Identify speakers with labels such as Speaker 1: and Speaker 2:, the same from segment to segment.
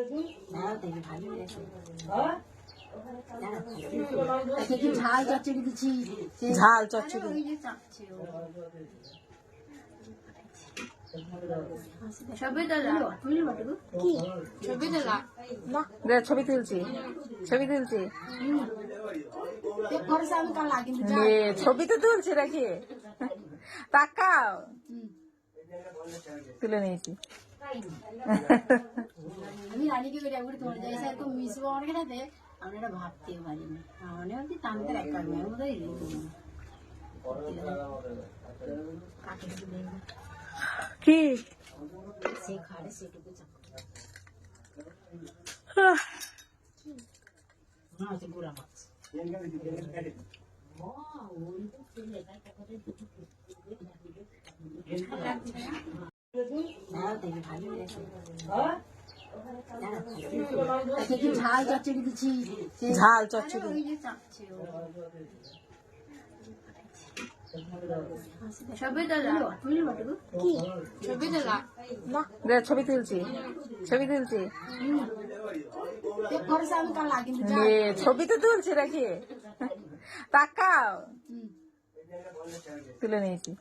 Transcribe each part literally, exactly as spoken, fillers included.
Speaker 1: ঝাল চচ্চড়ি দিচ্ছি,
Speaker 2: ঝাল চচ্চড়ি
Speaker 1: ছবি
Speaker 2: ছবি তুলছি ছবি তুলছি ছবি তো তুলছি নাকি তাকাও তুলে নিয়েছি
Speaker 1: আমি রানীকে বেরিয়ে একবার তোমার যাই স্যার তো মিশবো আমার খেলাতে আমরা এটা ভাবতেও পারিনি মনে হচ্ছে টানতে একা মেয়ে বোধহয়
Speaker 2: কি
Speaker 1: সে খাড়ে সেটুকু চাকরি গুড়া মাছ ঝাল চচ্চড়ি দিচ্ছি,
Speaker 2: ঝাল চচ্চড়ি
Speaker 1: ছবি
Speaker 2: ছবি তুলছি ছবি তুলছি ছবি তো তুলছি নাকি তাকাও তুলে নিয়েছি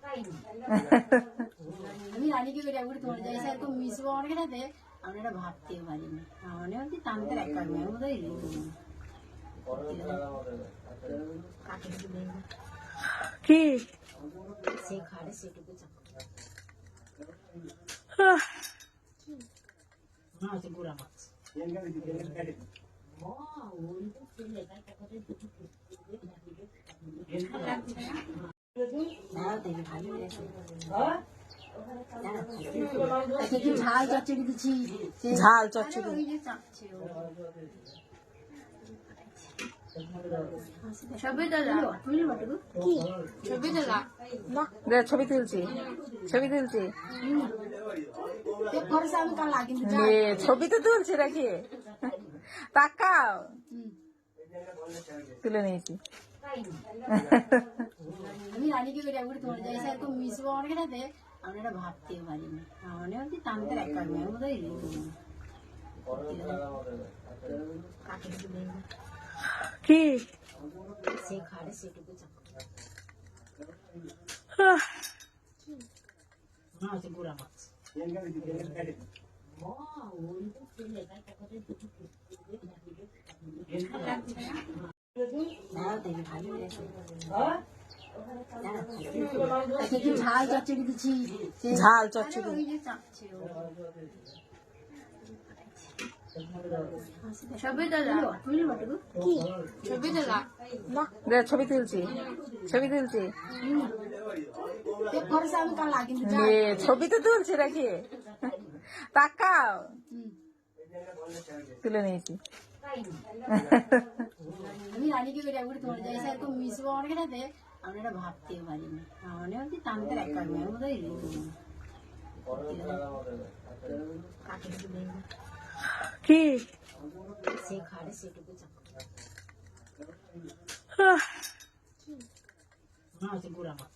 Speaker 1: আমি রানীকে বেরিয়ে একবার তোমার যাই স্যার তো মিশবো আমার খেলাতে আমরা এটা ভাবতেও পারিনি মনে হচ্ছে টানতে একা মেয়ে বোধহয়
Speaker 2: কি
Speaker 1: সে খাড়ে সেটুকু চাকরি গুড়া মাছ ঝাল চচ্চড়ি দিচ্ছি,
Speaker 2: ঝাল চচ্চড়ি
Speaker 1: ছবি
Speaker 2: ছবি তুলছি ছবি তুলছি ছবি তো তুলছি নাকি তাকাও তুলে নিয়েছি
Speaker 1: আমি রানীকে বেরিয়ে একবার তোমার যাই স্যার তো মিশবো আমার খেলাতে আমরা এটা ভাবতেও পারিনি মনে হচ্ছে টানতে একা মেয়ে বোধহয়
Speaker 2: কি
Speaker 1: সে খাড়ে সেটুকু চাকরি গুড়া মাছ ঝাল চচ্চড়ি দিচ্ছি,
Speaker 2: ঝাল চচ্চড়ি
Speaker 1: ছবি
Speaker 2: ছবি তুলছি ছবি তুলছি ছবি তো তুলছি নাকি তাকাও তুলে নিয়েছি
Speaker 1: আমি রানীকে বেরিয়ে একবার তোমার যাই স্যার তো মিশবো আমার খেলাতে আমরা এটা ভাবতেও পারিনি মনে হচ্ছে টানতে একা মেয়ে বোধহয়
Speaker 2: কি
Speaker 1: সে খাড়ে সেটুকু চাকরি গুড়া মাছ